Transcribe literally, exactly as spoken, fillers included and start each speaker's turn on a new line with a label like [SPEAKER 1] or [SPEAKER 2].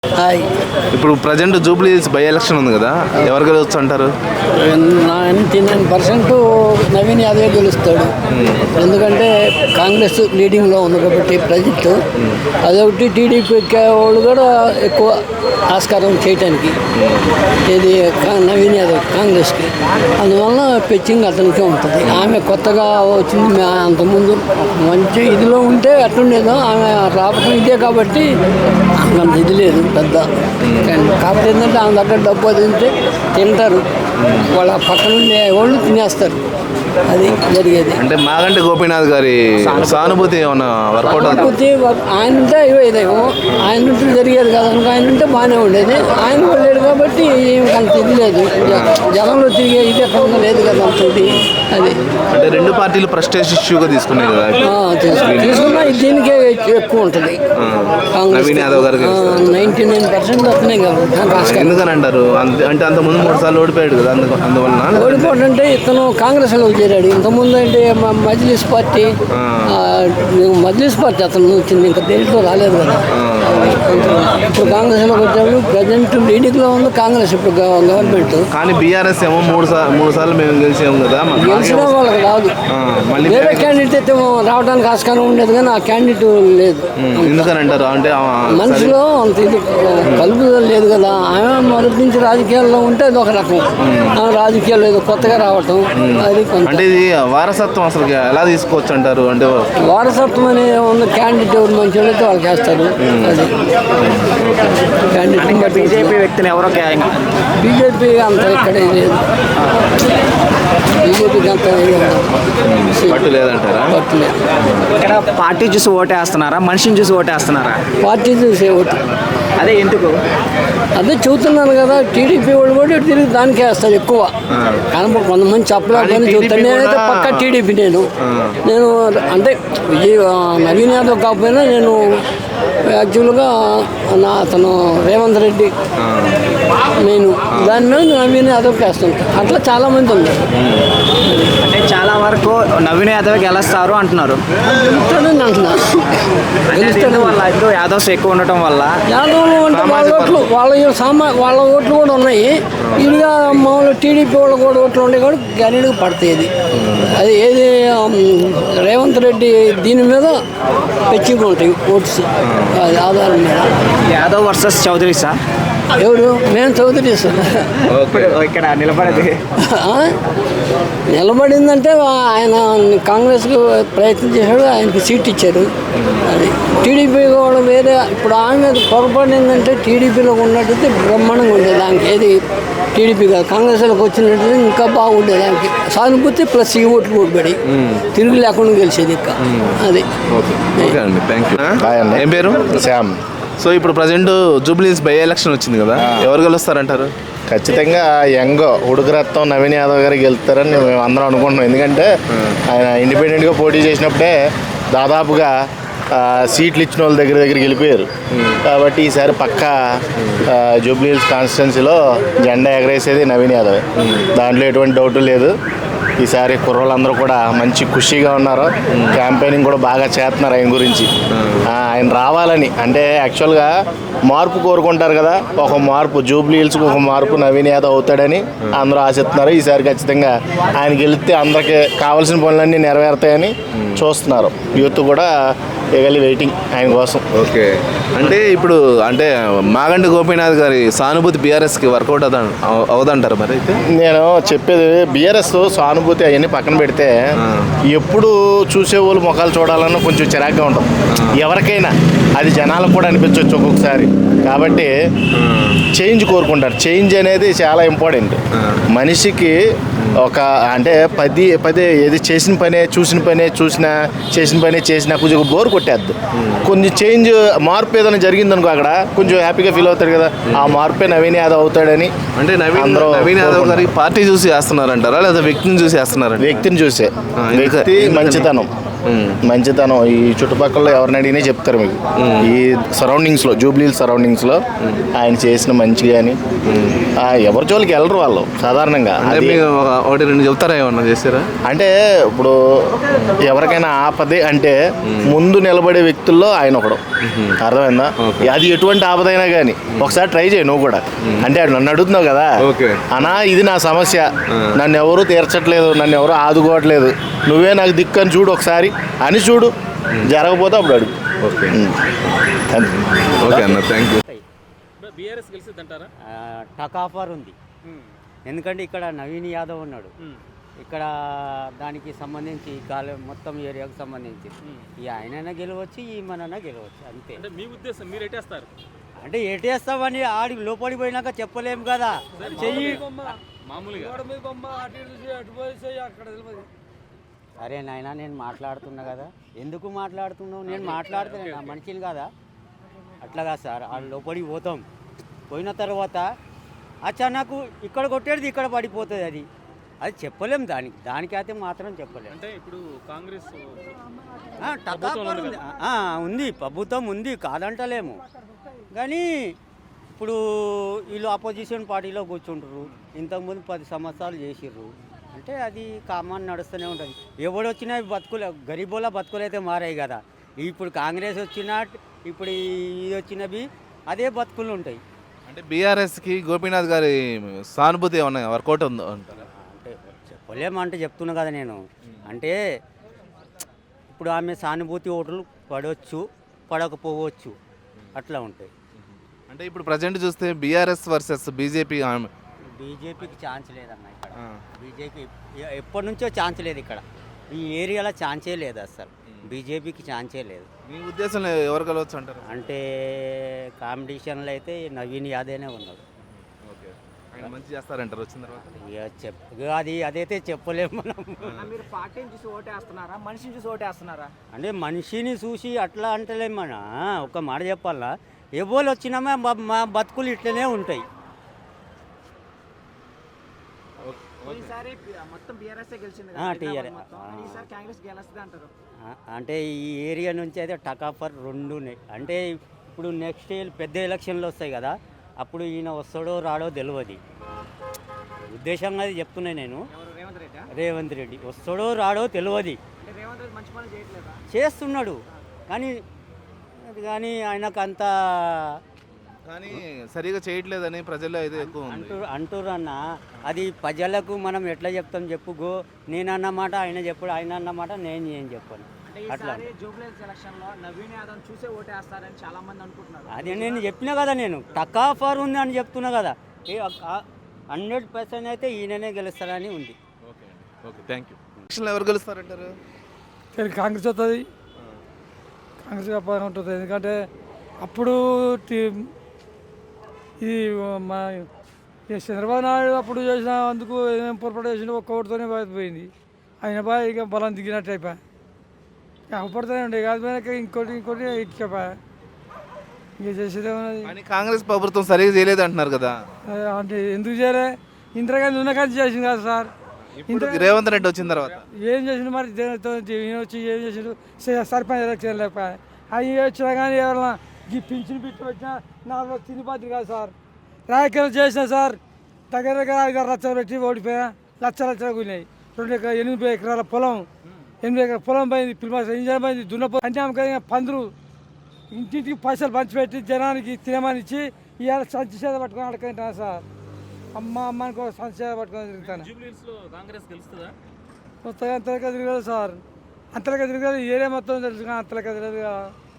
[SPEAKER 1] ఇప్పుడు present Jubilee Hills by election ఉంది కదా, ఎవరు గెలవచ్చు అంటారు?
[SPEAKER 2] Ninety nine percent Naveen Yadav గెలుస్తాడు. ఎందుకంటే కాంగ్రెస్ లీడింగ్లో ఉంది కాబట్టి ప్రజెంట్. అదొకటి టీడీపీ వాళ్ళు కూడా ఎక్కువ ఆస్కారం చేయటానికి, ఇది నవీన్ యాదవ్ కాంగ్రెస్కి. అందువల్ల పిచ్చింగ్ అతనికే ఉంటుంది. ఆమె కొత్తగా వచ్చింది, అంతకుముందు మంచి ఇదిలో ఉంటే అట్లుండేదో, ఆమె రావటం ఇదే కాబట్టి అంత ఇది లేదు పెద్ద. కాకపోతే ఏంటంటే ఆమె దగ్గర డబ్బు అది ఉంటే తింటారు, వాళ్ళ పక్కన ఉండే వాళ్ళు తినేస్తారు. అది జరిగేది.
[SPEAKER 1] అంటే మాగంటి గోపీనాథ్ గారి సానుభూతి ఏమన్నా వర్కౌట్
[SPEAKER 2] సానుభూతి ఆయన ఉంటే ఇదేమో, ఆయన ఉంటే జరిగేది కాదు అనుకో. ఆయన ఉంటే బాగానే ఉండేది. ఆయన వెళ్ళాడు కాబట్టి అంత ఇది లేదు, జనంలో తిరిగే ఇది ఎక్కడ లేదు కదా అంతటి. అది
[SPEAKER 1] అంటే రెండు పార్టీలు ప్రెస్టేజ్ ఇష్యూగా తీసుకున్నాయి కదా,
[SPEAKER 2] తీసుకున్నా దీనికే ఎక్కువ ఉంటుంది.
[SPEAKER 1] నవీన్ యాదవ్ గారు
[SPEAKER 2] నైన్టీ నైన్ పర్సెంట్ వస్తున్నాయి కదా.
[SPEAKER 1] ఎందుకని అంటారు? అంటే అంత ముందు మూడు సార్లు ఓడిపోయాడు కదా, అందువల్ల
[SPEAKER 2] ఓడిపోవడం అంటే ఇతను కాంగ్రెస్లో చేరాడు. ఇంతకుముందు అంటే మజ్లిస్ పార్టీ, మజ్లిస్ పార్టీ అతను వచ్చింది, ఇంకా దేంట్లో రాలేదు కదా. ఇప్పుడు కాంగ్రెస్లోకి వచ్చాడు. ప్రజెంట్ లీడింగ్లో ఉంది కాంగ్రెస్ ఇప్పుడు గవర్నమెంట్.
[SPEAKER 1] కానీ బీఆర్ఎస్ ఏమో మూడు సార్లు మూడు సార్లు మేము గెలిచాము కదా,
[SPEAKER 2] గెలిచిన వాళ్ళకి రాదు. వేరే క్యాండిడేట్ అయితే రావడానికి ఆస్కారం ఉండేది, కానీ ఆ క్యాండిడేట్ లేదు.
[SPEAKER 1] ఎందుకని అంటారు? అంటే
[SPEAKER 2] మనిషిలో అంత ఇది కలుపుదల లేదు కదా. ఆమె మొదటి నుంచి రాజకీయాల్లో ఉంటే అది ఒక రకం, రాజకీయాల్లో ఏదో కొత్తగా రావటం. అది
[SPEAKER 1] అంటే ఇది వారసత్వం అసలు ఎలా తీసుకోవచ్చు అంటారు? అంటే
[SPEAKER 2] వారసత్వం అనే ఉన్న క్యాండిడేట్ ఎవరు మంచి అయితే వాళ్ళకి వేస్తారు. అది క్యాండిడేట్
[SPEAKER 3] బీజేపీ వ్యక్తులు ఎవరో
[SPEAKER 2] బీజేపీ అంత ఇక్కడ లేదు. బీజేపీకి అంత
[SPEAKER 1] పట్టు లేదంటారా?
[SPEAKER 2] పట్టు లేదు.
[SPEAKER 3] ఇక్కడ పార్టీ చూసి ఓటేస్తున్నారా, మనిషిని చూసి ఓటేస్తున్నారా?
[SPEAKER 2] పార్టీ చూసే ఓటు.
[SPEAKER 3] అదే ఎందుకు?
[SPEAKER 2] అదే చూస్తున్నాను కదా, టీడీపీ వాళ్ళు కూడా తిరిగి దానికే వేస్తారు ఎక్కువ. కానీ కొంతమంది చెప్పలేకపోయినా చూస్తాను. నేనైతే పక్కా టీడీపీ. నేను నేను అంటే విజయ్ నవీన్ యాదవ్ కాకపోయినా నేను యాక్చువల్గా నా అతను రేవంత్ రెడ్డి నేను దాని మీద నవీన్ యాదవ్కి వేస్తుంటాను. అట్లా చాలామంది ఉన్నారు.
[SPEAKER 3] అంటే చాలా వరకు నవీన్ యాదవ్ గెలుస్తారు అంటున్నారు.
[SPEAKER 2] గెలుస్తాడని అంటున్నారు. గెలుస్తాడు
[SPEAKER 3] వాళ్ళ ఇద్దరు యాదవ్స్ ఎక్కువ ఉండటం వల్ల.
[SPEAKER 2] యాదవ్లు అంటే వాళ్ళ ఓట్లు వాళ్ళ సామా వాళ్ళ ఓట్లు కూడా ఉన్నాయి. ఇదిగా మామూలు టీడీపీ వాళ్ళ కూడా ఓట్లు ఉన్నాయి కూడా గ్యారెంటీగా పడతాయి. అది అది ఏది రేవంత్ రెడ్డి దీని మీద పెచ్చిగా ఉంటాయి ఓట్స్. అది ఆధారం మీద.
[SPEAKER 3] Yadav versus Chowdary sir.
[SPEAKER 2] ఎవరు? మేము చౌదరి సార్.
[SPEAKER 3] ఇక్కడ నిలబడేది
[SPEAKER 2] నిలబడిందంటే ఆయన కాంగ్రెస్కి ప్రయత్నం చేశాడు, ఆయనకి సీట్ ఇచ్చారు. అది టీడీపీ కూడా వేరే. ఇప్పుడు ఆమె పొరపాటు ఏంటంటే టీడీపీలో ఉన్నట్టయితే బ్రహ్మాండంగా ఉండేది. దానికి ఏది టీడీపీ కాదు కాంగ్రెస్లోకి వచ్చినట్టు ఇంకా బాగుండేది. దానికి సానుభూతి ప్లస్ ఈ ఓట్లు ఓడిపడి తిరుగు లేకుండా గెలిచేది ఇంకా. అది
[SPEAKER 1] ఏం పేరు?
[SPEAKER 4] శ్యామ్.
[SPEAKER 1] సో ఇప్పుడు present Jubilee Hills by election వచ్చింది కదా, ఎవరు గెలుస్తారంటారు?
[SPEAKER 4] ఖచ్చితంగా యంగ్ ఉడుకురత్తం నవీన్ యాదవ్ గారికి గెలుస్తారని మేము అందరం అనుకుంటున్నాం. ఎందుకంటే ఆయన ఇండిపెండెంట్గా పోటీ చేసినప్పుడే దాదాపుగా సీట్లు ఇచ్చిన వాళ్ళ దగ్గర దగ్గరికి వెళ్ళిపోయారు. కాబట్టి ఈసారి పక్కా జూబ్లీ హిల్స్ కాన్స్టిట్యున్సీలో జెండా ఎగరేసేది నవీన్ యాదవ్. దాంట్లో ఎటువంటి డౌట్ లేదు. ఈసారి కుర్రోళ్ళందరూ కూడా మంచి ఖుషీగా ఉన్నారు. క్యాంపెయినింగ్ కూడా బాగా చేస్తున్నారు ఆయన గురించి. ఆయన రావాలని అంటే యాక్చువల్గా మార్పు కోరుకుంటారు కదా, ఒక మార్పు జూబ్లీ హిల్స్కి ఒక మార్పు నవీన్ యాదవ్ అవుతాడని అందరూ ఆశిస్తున్నారు. ఈసారి ఖచ్చితంగా ఆయన గెలిస్తే అందరికి కావాల్సిన పనులన్నీ నెరవేరుతాయని చూస్తున్నారు. యూత్ కూడా ఎగలి వెయిటింగ్ ఆయన కోసం.
[SPEAKER 1] ఓకే. అంటే ఇప్పుడు అంటే మాగంటి గోపీనాథ్ గారి సానుభూతి బీఆర్ఎస్కి వర్కౌట్ అవుతా అవుదంటారు మరి? అయితే నేను
[SPEAKER 4] చెప్పేది బీఆర్ఎస్ సానుభూతి అవన్నీ పక్కన పెడితే ఎప్పుడు చూసేవాళ్ళు ముఖాలు చూడాలన్నా కొంచెం చిరాగ్గా ఉంటుంది ఎవరికైనా. అది జనాలకు కూడా అనిపించవచ్చు ఒక్కొక్కసారి. కాబట్టి చేంజ్ కోరుకుంటారు. చేంజ్ అనేది చాలా ఇంపార్టెంట్ మనిషికి. ఒక అంటే పది పదే ఏది చేసిన పనే చూసిన పనే చూసిన చేసిన పనే చేసిన కొంచెం బోర్ కొట్టేద్దు. కొంచెం చేంజ్ మార్పు ఏదైనా జరిగిందనుకో అక్కడ కొంచెం హ్యాపీగా ఫీల్ అవుతారు కదా. ఆ మార్పే నవీన్ యాదవ్ అవుతాడని.
[SPEAKER 1] అంటే నవీన్ నవీన్ యాదవ్ గారి పార్టీ చూసి వేస్తున్నారంటారా లేదా వ్యక్తిని చూసి వేస్తున్నారా?
[SPEAKER 4] వ్యక్తిని చూసే. వ్యక్తి మంచితనం మంచితనం ఈ చుట్టుపక్కల ఎవరిని అడిగినా చెప్తారు మీకు. ఈ సరౌండింగ్స్లో జూబ్లీ సరౌండింగ్స్లో ఆయన చేసిన మంచి కానీ ఎవరి జోలికి వెళ్ళరు వాళ్ళు సాధారణంగా.
[SPEAKER 1] అంటే
[SPEAKER 4] అది
[SPEAKER 1] మీకు ఒక- ఒకటి రెండు చెప్తారా ఏమన్నా చేస్తారా?
[SPEAKER 4] అంటే ఇప్పుడు ఎవరికైనా ఆపదే అంటే ముందు నిలబడే వ్యక్తుల్లో ఆయన ఒకడు. అర్థమైందా? అది ఎటువంటి ఆపదైనా కానీ ఒకసారి ట్రై చేయి నువ్వు కూడా. అంటే నన్ను అడుగుతున్నావు కదా
[SPEAKER 1] ఓకే.
[SPEAKER 4] అన్నా ఇది నా సమస్య, నన్ను ఎవరు తీర్చట్లేదు, నన్ను ఎవరు ఆదుకోవట్లేదు, నువ్వే నాకు దిక్కు అని చూడు ఒకసారి అని చూడు. జరగకపోతే అప్పుడు అడుగు.
[SPEAKER 1] ఓకే
[SPEAKER 4] అంతే.
[SPEAKER 1] ఓకే అన్న, థ్యాంక్ యూ.
[SPEAKER 5] బీఆర్ఎస్ గెలిచిద్దంటారా?
[SPEAKER 6] టక్ ఆఫర్ ఉంది. ఎందుకంటే ఇక్కడ నవీన్ యాదవ్ ఉన్నాడు. ఇక్కడ దానికి సంబంధించి గాలి మొత్తం ఏరియాకు సంబంధించి ఈ ఆయనైనా గెలవచ్చు, ఈ మనైనా గెలవచ్చు అంతే.
[SPEAKER 5] అంటే మీ ఉద్దేశం మీరు ఎట్టేస్తారు?
[SPEAKER 6] అంటే ఎటేస్తామని ఆడి లోపలికి పోయినాక చెప్పలేము కదా. చెయ్యి
[SPEAKER 5] మామూలుగా
[SPEAKER 6] సరే నాయన, నేను మాట్లాడుతున్నా కదా. ఎందుకు మాట్లాడుతున్నావు? నేను మాట్లాడుతున్నా, నా మనిషిని కదా. అట్లాగా సార్, ఆ లోపలికి పోతాం. పోయిన తర్వాత అచ్చా నాకు ఇక్కడ కొట్టేది ఇక్కడ పడిపోతుంది. అది అది చెప్పలేం. దానికి దానికైతే మాత్రం చెప్పలేము.
[SPEAKER 5] అంటే ఇప్పుడు కాంగ్రెస్
[SPEAKER 6] ఆ, టక్ ఆఫర్ ఉంది. ఆ, ఉంది, ప్రభుత్వం ఉంది, కాదంటలేము. కానీ ఇప్పుడు వీళ్ళు అపోజిషన్ పార్టీలో కూర్చుంటారు. ఇంతకుముందు పది సంవత్సరాలు చేసిర్రు అంటే అది కామన్ నడుస్తూనే ఉంటుంది. ఎవడు వచ్చినా బతుకులే, గరీబోలా బతుకులు అయితే మారాయి కదా. ఇప్పుడు కాంగ్రెస్ వచ్చినా ఇప్పుడు ఇది వచ్చినవి అదే బతుకులు ఉంటాయి.
[SPEAKER 1] అంటే బీఆర్ఎస్కి గోపీనాథ్ గారి సానుభూతి ఏమన్నా వర్కౌట్ ఉందో అంటారా?
[SPEAKER 6] అంటే చెప్పలేమంటే చెప్తున్నా కదా నేను. అంటే ఇప్పుడు ఆమె సానుభూతి ఓట్లు పడవచ్చు, పడకపోవచ్చు, అట్లా ఉంటాయి.
[SPEAKER 1] అంటే ఇప్పుడు ప్రజెంట్ చూస్తే బీఆర్ఎస్ వర్సెస్ బీజేపీ.
[SPEAKER 6] బీజేపీకి ఛాన్స్ లేదన్న ఇక్కడ. బీజేపీ ఎప్పటి నుంచో ఛాన్స్ లేదు ఇక్కడ. ఈ ఏరియాలో ఛాన్సే లేదు అసలు. బీజేపీకి ఛాన్సే లేదు.
[SPEAKER 1] మీ ఉద్దేశంలో ఎవరు కలవచ్చు అంటారు?
[SPEAKER 6] అంటే కాంపిటీషన్లో అయితే నవీన్ యాదవ్నే ఉన్నాడు.
[SPEAKER 1] ఓకే, ఆయన మంచి చేస్తారంటారు వచ్చిన తర్వాత.
[SPEAKER 6] ఇక చెప్ ఇక అది అదైతే చెప్పలేము మనం.
[SPEAKER 3] మీరు పార్టీని చూసి ఓటేస్తున్నారా, మనిషిని చూసి ఓటేస్తున్నారా?
[SPEAKER 6] అంటే మనిషిని చూసి అట్లా అంటలేము మన. ఒక మాట చెప్పాలా, ఎవరు వచ్చినామా మా మా బతుకులు ఇట్లనే ఉంటాయి.
[SPEAKER 3] ఈసారి మొత్తం బీఆర్ఎస్ గెలిచింది
[SPEAKER 6] ఆ, టీఆర్
[SPEAKER 3] ఈసారి కాంగ్రెస్ గెలుస్తుంది అంటారు.
[SPEAKER 6] అంటే ఈ ఏరియా నుంచి అయితే టక్ ఆఫర్ రెండు ఉన్నాయి. అంటే ఇప్పుడు నెక్స్ట్ పెద్ద ఎలక్షన్లు వస్తాయి కదా, అప్పుడు ఈయన వస్తాడో రాడో తెలియదు. ఉద్దేశంగా అది చెప్తున్నాయి నేను.
[SPEAKER 3] ఎవరు రేవంత్ రెడ్డి?
[SPEAKER 6] రేవంత్ రెడ్డి వస్తాడో రాడో తెలియదు.
[SPEAKER 3] అంటే రేవంత్ రెడ్డి మంచి పనులు చేయట్లేదా?
[SPEAKER 6] చేస్తున్నాడు కానీ అది కానీ ఆయనకు అంత
[SPEAKER 1] కానీ సరిగా చేయట్లేదని ప్రజల్లో అయితే ఎక్కువ ఉంది.
[SPEAKER 6] అంటూ అంటుర్రు అన్న. అది ప్రజలకు మనం ఎట్లా చెప్తాం చెప్పు. గో నేను అన్నమాట ఆయన చెప్పుడు, ఆయన అన్నమాట నేను ఏం చెప్పాను.
[SPEAKER 3] అంటే
[SPEAKER 6] అట్లా
[SPEAKER 3] ఈసారి జూబ్లీ ఎలక్షన్ లో నవీన్ యాదవ్ చూసే ఓటేస్తారని చాలా మంది అనుకుంటున్నారు.
[SPEAKER 6] అది నేను చెప్పినా కదా, నేను టక్ ఆఫర్ ఉంది అని చెప్తున్నా కదా. హండ్రెడ్ పర్సెంట్ అయితే ఈయననే గెలుస్తారని ఉంది.
[SPEAKER 1] ఓకే అండి, ఓకే, థ్యాంక్ యూ. ఎలక్షన్లో ఎవరు గెలుస్తారంటారు?
[SPEAKER 7] కాంగ్రెస్ వస్తుంది. కాంగ్రెస్ వ్యాపారం ఉంటుంది. ఎందుకంటే అప్పుడు టి- ఇది మా ఈ చంద్రబాబు నాయుడు అప్పుడు చేసిన అందుకు ఏమేమి పొరపాటు చేసిన ఒక్క ఓటుతోనే పోయింది. ఆయన బాగా ఇక బలం దిగినట్టు అయిపోయా. అవపడుతూనే ఉండే కాదు పోయినాక ఇంకోటి ఇంకోటి ఇటుకపోయా. ఇంక చేసేదేమన్నది.
[SPEAKER 1] కానీ కాంగ్రెస్ ప్రభుత్వం సరిగా చేయలేదు అంటున్నారు కదా.
[SPEAKER 7] అంటే ఎందుకు చేయలే? ఇందిరాగాంధీ ఉన్న కానీ చేసింది కదా సార్.
[SPEAKER 1] ఇప్పుడు రేవంత్ రెడ్డి వచ్చిన తర్వాత
[SPEAKER 7] ఏం చేసిండు మరి? దేనితో ఈయన వచ్చి ఏం చేసిండు? స- సర్పంచ్ ఎలక్షన్ లేకపోయా. అవి వచ్చినా కానీ ఎవరన్నా ఈ పింఛన్ బిట్టు వచ్చినా నాలుగు తిని పాత్ర కాదు సార్. రాజకీయాలు చేసినా సార్ దగ్గర దగ్గర ఐదారు లక్షలు పెట్టి ఓడిపోయా. లక్ష లక్షలు కూలినాయి. రెండు ఎకరా ఎనిమిది ఎకరాల పొలం, ఎనిమిది ఎకరాల పొలం పోయింది. పిల్లలు ఇంజన్ పోయింది. దున్నపో అంటే పందులు ఇంటింటికి పైసలు పంచిపెట్టి జనానికి తినమని ఇచ్చి ఇవాళ సంచి చేత పట్టుకొని అడగంటున్నా సార్. అమ్మ అమ్మ అనుకో సంచి చేత పట్టుకొని తిరుగుతాను.
[SPEAKER 5] జూబ్లీహిల్స్ లో కాంగ్రెస్ గెలుస్తుందా?
[SPEAKER 7] మొత్తం అంతలకే తిరగదు సార్. అంతలకే తిరగదు. ఏరియా మొత్తం తెలుసు కానీ అంతలకే తిరగదు కదా.